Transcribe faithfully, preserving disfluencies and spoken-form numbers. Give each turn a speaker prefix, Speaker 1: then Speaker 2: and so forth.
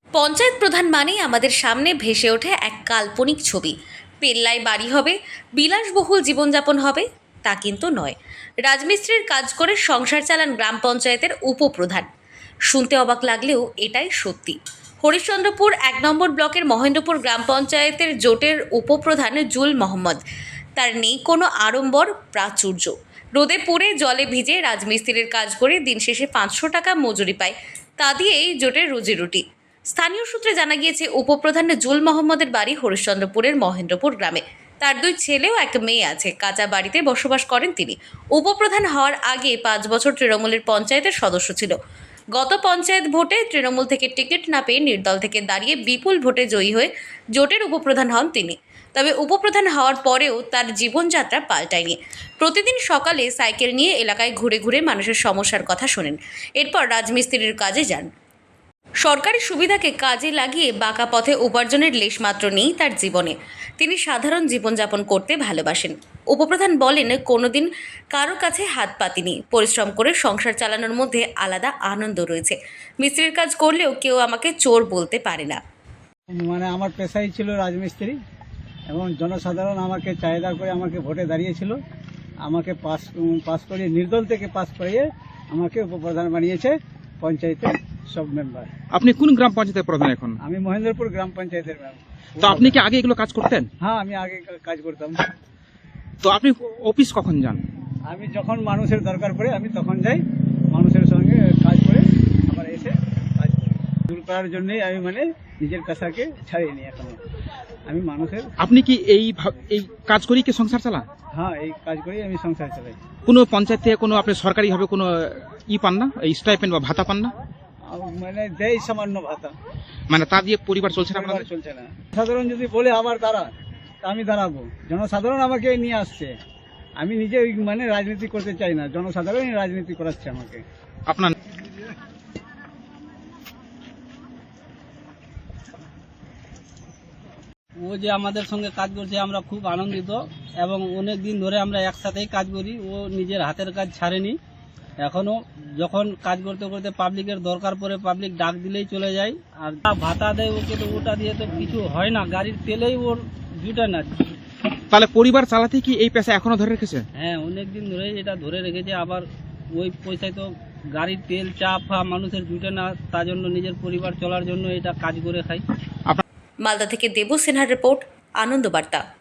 Speaker 1: পঞ্চায়েত প্রধান মানেই আমাদের সামনে ভেসে ওঠে এক কাল্পনিক ছবি। পেল্লায় বাড়ি হবে, বিলাসবহুল জীবনযাপন হবে, তা কিন্তু নয়। রাজমিস্ত্রির কাজ করে সংসার চালান গ্রাম পঞ্চায়েতের উপপ্রধান। শুনতে অবাক লাগলেও এটাই সত্যি। হরিশ্চন্দ্রপুর এক নম্বর ব্লকের মহেন্দ্রপুর গ্রাম পঞ্চায়েতের জোটের উপপ্রধান জুল মোহাম্মদ। তার নেই কোনো আড়ম্বর প্রাচুর্য। রোদে পুড়ে জলে ভিজে রাজমিস্ত্রির কাজ করে দিন শেষে পাঁচশো টাকা মজুরি পায়। তা দিয়েই জোটের রুজিরুটি। স্থানীয় সূত্রে জানা গিয়েছে, উপপ্রধান জুল মোহাম্মদের বাড়ি হরিশ্চন্দ্রপুরের মহেন্দ্রপুর গ্রামে। তার দুই ছেলে ও এক মেয়ে আছে। কাঁচা বাড়িতে বসবাস করেন তিনি। উপপ্রধান হওয়ার আগে পাঁচ বছর তৃণমূলের পঞ্চায়েতের সদস্য ছিল। গত পঞ্চায়েত ভোটে তৃণমূল থেকে টিকিট না পেয়ে নির্দল থেকে দাঁড়িয়ে বিপুল ভোটে জয়ী হয়ে জোটের উপপ্রধান হন তিনি। তবে উপপ্রধান হওয়ার পরেও তার জীবনযাত্রা পাল্টায়নি। প্রতিদিন সকালে সাইকেল নিয়ে এলাকায় ঘুরে ঘুরে মানুষের সমস্যার কথা শোনেন। এরপর রাজমিস্ত্রির কাজে যান। সরকারি সুবিধাকে কাজে লাগিয়ে বাঁকা পথে উপার্জনের লেশমাত্র নেই তার জীবনে। তিনি সাধারণ জীবনযাপন করতে ভালোবাসেন। উপপ্রধান বলেন, কোনোদিন কারো কাছে হাত পাতিনি। পরিশ্রম করে সংসার চালানোর মধ্যে আলাদা আনন্দ রয়েছে। মিস্ত্রির কাজ করলেও কেউ আমাকে চোর বলতে পারে না।
Speaker 2: মানে আমার পেশাই ছিল রাজমিস্ত্রি, এবং জনসাধারণ আমাকে চাহিদা করে আমাকে ভোটে দাঁড়িয়েছিল। আমাকে পাস পাস করিয়ে, নির্দল থেকে পাস করিয়ে আমাকে উপপ্রধান বানিয়েছে পঞ্চায়েতের সব মেম্বার।
Speaker 3: আপনি কোন গ্রাম পঞ্চায়েতের প্রধান এখন?
Speaker 2: আমি মহেন্দ্রপুর গ্রাম পঞ্চায়েতের মেম্বার।
Speaker 3: তো আপনি কি আগে এগুলো কাজ করতেন?
Speaker 2: হ্যাঁ, আমি আগে কাজ করতাম।
Speaker 3: তো আপনি অফিস কখন যান?
Speaker 2: আমি যখন মানুষের দরকার পড়ে আমি তখন যাই, মানুষের সঙ্গে কাজ করে আবার এসে কাজ করি। দূর করার জন্যই আমি মানে নিজের পেশাকে ছাড়িয়ে এখনো আমি মানুষের।
Speaker 3: আপনি কি এই ভা- এই কাজ করেই কি সংসার চালান?
Speaker 2: হ্যাঁ, এই কাজ করেই আমি সংসার চালাই।
Speaker 3: কোনো পঞ্চায়েত থেকে কোনো আপনি সরকারিভাবে কোনো ই পান না, এই স্টাইপেন্ড বা ভাতা পান না?
Speaker 2: আর মানে দেয় সামান্য ভাতা,
Speaker 3: মানে তা দিয়ে পরিবার চলছে না
Speaker 2: পরিবার
Speaker 3: আপনাদের?
Speaker 2: চলছে না। সাধারণ যদি বলে আবার দাঁড়া, তা আমি দাঁড়াবো। জনসাধারণ আমাকে নিয়ে আসছে, আমি নিজে ওই মানে রাজনীতি করতে চাই না, জনসাধারণই রাজনীতি করাচ্ছে আমাকে।
Speaker 3: আপনার
Speaker 4: ও যে আমাদের সঙ্গে কাজ করছে আমরা খুব আনন্দিত, এবং অনেক দিন ধরে আমরা একসাথেই কাজ করি। ও নিজের হাতের কাজ ছাড়েনি। এখনও যখন কাজ করতে করতে পাবলিকের দরকার পড়ে পাবলিক ডাক দিলেই চলে যায়। আর যা ভাতা দেয় ওকে, তো ওটা দিয়ে তো কিছু হয় না, গাড়ির তেলেই ওর জুটে না।
Speaker 3: তাহলে পরিবার চালাতে কি এই পেশা এখনো ধরে রেখেছে?
Speaker 4: হ্যাঁ, অনেক দিন ধরেই এটা ধরে রেখেছে। আবার ওই পয়সায় তো গাড়ির তেল চা ফা মানুষের জুটে না, তার জন্য নিজের পরিবার চলার জন্য এটা কাজ করে খাই।
Speaker 1: মালদা থেকে দেবু সিনহার রিপোর্ট, আনন্দ বার্তা।